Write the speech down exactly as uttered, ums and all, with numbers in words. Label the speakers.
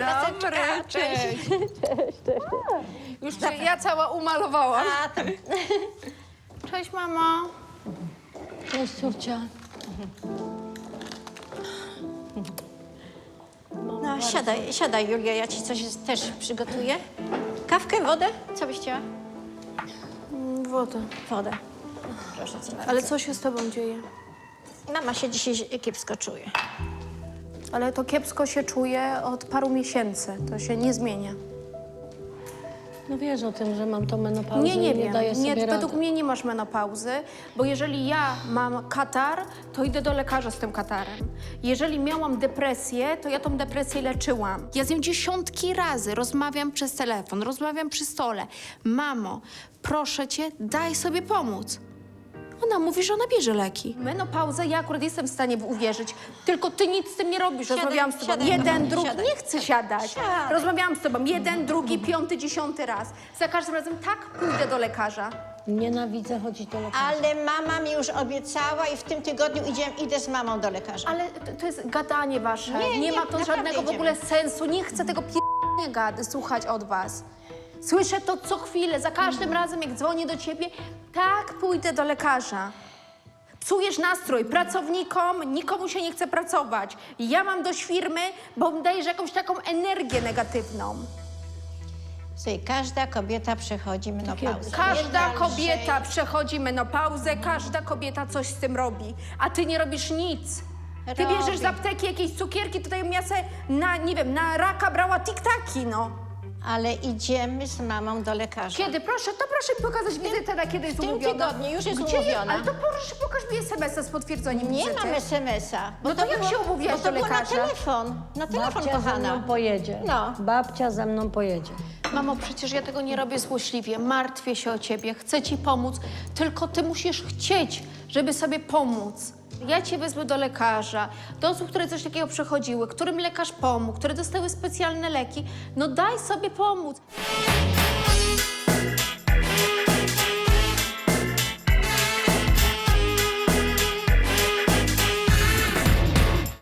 Speaker 1: dobry, cześć.
Speaker 2: Cześć, cześć.
Speaker 1: Już cię ja cała umalowałam.
Speaker 2: A, tam.
Speaker 1: Cześć, mamo.
Speaker 3: Cześć, córcia.
Speaker 2: No, siadaj, siadaj, Julia, ja ci coś też przygotuję. Kawkę, wodę? Co byś chciała?
Speaker 1: Woda.
Speaker 2: Wodę. Proszę cię bardzo.
Speaker 1: Ale co się z tobą dzieje?
Speaker 2: Mama się dzisiaj kiepsko czuje.
Speaker 1: Ale to kiepsko się czuję od paru miesięcy. To się nie zmienia.
Speaker 3: No wiesz o tym, że mam tą menopauzę
Speaker 1: Nie, nie
Speaker 3: i nie
Speaker 1: wiem.
Speaker 3: daję sobie
Speaker 1: Nie,
Speaker 3: rady.
Speaker 1: według mnie nie masz menopauzy, bo jeżeli ja mam katar, to idę do lekarza z tym katarem. Jeżeli miałam depresję, to ja tą depresję leczyłam. Ja z nią dziesiątki razy rozmawiam przez telefon, rozmawiam przy stole. Mamo, proszę cię, daj sobie pomóc. Ona mówi, że ona bierze leki. Menopauzę ja akurat jestem w stanie uwierzyć, tylko ty nic z tym nie robisz.
Speaker 2: Siadaj,
Speaker 1: Rozmawiałam z tobą
Speaker 2: siadaj,
Speaker 1: jeden,
Speaker 2: kochanie,
Speaker 1: drugi,
Speaker 2: siadaj.
Speaker 1: nie chcę siadać.
Speaker 2: Siadaj.
Speaker 1: Rozmawiałam z tobą jeden, drugi, piąty, dziesiąty raz. Za każdym razem tak pójdę do lekarza.
Speaker 3: Nienawidzę chodzić do lekarza.
Speaker 2: Ale mama mi już obiecała i w tym tygodniu idzie, idę z mamą do lekarza.
Speaker 1: Ale to, to jest gadanie wasze.
Speaker 2: Nie,
Speaker 1: Nie,
Speaker 2: nie,
Speaker 1: ma to
Speaker 2: naprawdę
Speaker 1: żadnego w
Speaker 2: idziemy.
Speaker 1: ogóle sensu. Nie chcę tego p***nie gady słuchać od was. Słyszę to co chwilę, za każdym razem jak dzwonię do ciebie, tak pójdę do lekarza. Psujesz nastrój pracownikom, nikomu się nie chce pracować. Ja mam dość firmy, bo dajesz jakąś taką energię negatywną.
Speaker 2: Słuchaj, każda kobieta przechodzi menopauzę.
Speaker 1: Każda
Speaker 2: Nie
Speaker 1: kobieta
Speaker 2: dalszej.
Speaker 1: przechodzi menopauzę, każda kobieta coś z tym robi, a ty nie robisz nic. Ty
Speaker 2: Robię.
Speaker 1: bierzesz z apteki jakieś cukierki, tutaj ja se na, nie wiem, na raka brała tiktaki, no.
Speaker 2: Ale idziemy z mamą do lekarza.
Speaker 1: Kiedy? Proszę, to proszę mi pokazać wizytę, na kiedy jest
Speaker 2: w tym
Speaker 1: umówiona.
Speaker 2: tygodniu już jest
Speaker 1: Gdzie
Speaker 2: umówiona.
Speaker 1: Ale to proszę, pokaż mi es em es a z potwierdzeniem
Speaker 2: Nie
Speaker 1: wizyty.
Speaker 2: mam es em es a. bo
Speaker 1: No to jak
Speaker 2: było-
Speaker 1: się umówiłaś
Speaker 2: bo to
Speaker 1: do
Speaker 2: było na
Speaker 1: lekarza?
Speaker 2: telefon. Na telefon,
Speaker 3: Babcia ze
Speaker 2: kochana.
Speaker 3: mną pojedzie.
Speaker 2: No.
Speaker 3: Babcia ze mną pojedzie.
Speaker 1: Mamo, przecież ja tego nie robię złośliwie. Martwię się o ciebie, chcę ci pomóc, tylko ty musisz chcieć, żeby sobie pomóc. Ja cię wezmę do lekarza, do osób, które coś takiego przechodziły, którym lekarz pomógł, które dostały specjalne leki. No daj sobie pomóc.